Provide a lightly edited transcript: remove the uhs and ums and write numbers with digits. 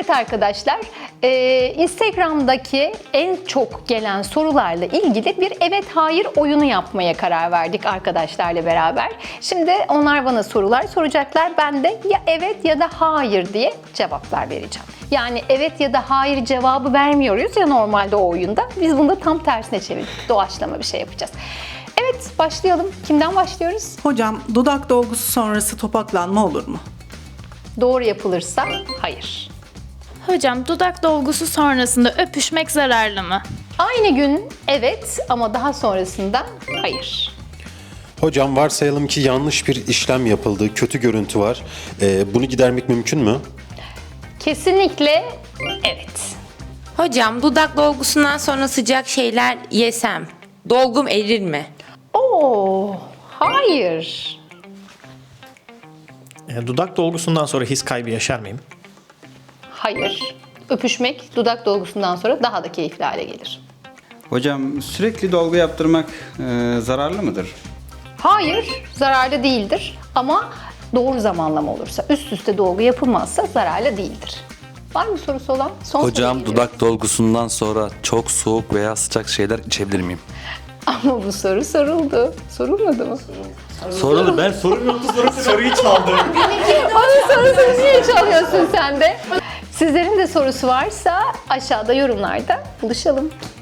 Evet arkadaşlar, Instagram'daki en çok gelen sorularla ilgili bir evet hayır oyunu yapmaya karar verdik arkadaşlarla beraber. Şimdi onlar bana sorular soracaklar. Ben de ya evet ya da hayır diye cevaplar vereceğim. Yani evet ya da hayır cevabı vermiyoruz ya normalde o oyunda. Biz bunu da tam tersine çevirdik. Doğaçlama bir şey yapacağız. Evet, başlayalım. Kimden başlıyoruz? Hocam, dudak dolgusu sonrası topaklanma olur mu? Doğru yapılırsa hayır. Hocam, dudak dolgusu sonrasında öpüşmek zararlı mı? Aynı gün evet ama daha sonrasında hayır. Hocam varsayalım ki yanlış bir işlem yapıldı, kötü görüntü var. Bunu gidermek mümkün mü? Kesinlikle evet. Hocam, dudak dolgusundan sonra sıcak şeyler yesem dolgum erir mi? Oo, hayır. Dudak dolgusundan sonra his kaybı yaşar mıyım? Hayır. Öpüşmek dudak dolgusundan sonra daha da keyifli hale gelir. Hocam sürekli dolgu yaptırmak zararlı mıdır? Hayır, zararlı değildir ama doğru zamanlama olursa, üst üste dolgu yapılmazsa zararlı değildir. Var mı sorusu olan? Son Hocam, soruya dudak dolgusundan sonra çok soğuk veya sıcak şeyler içebilir miyim? Ama bu soru soruldu. Sorulmadı mı? Soruldu. Ben Soruyu çaldım. Onun sorusunu niye çalıyorsun sen de? Sizlerin de sorusu varsa aşağıda yorumlarda buluşalım.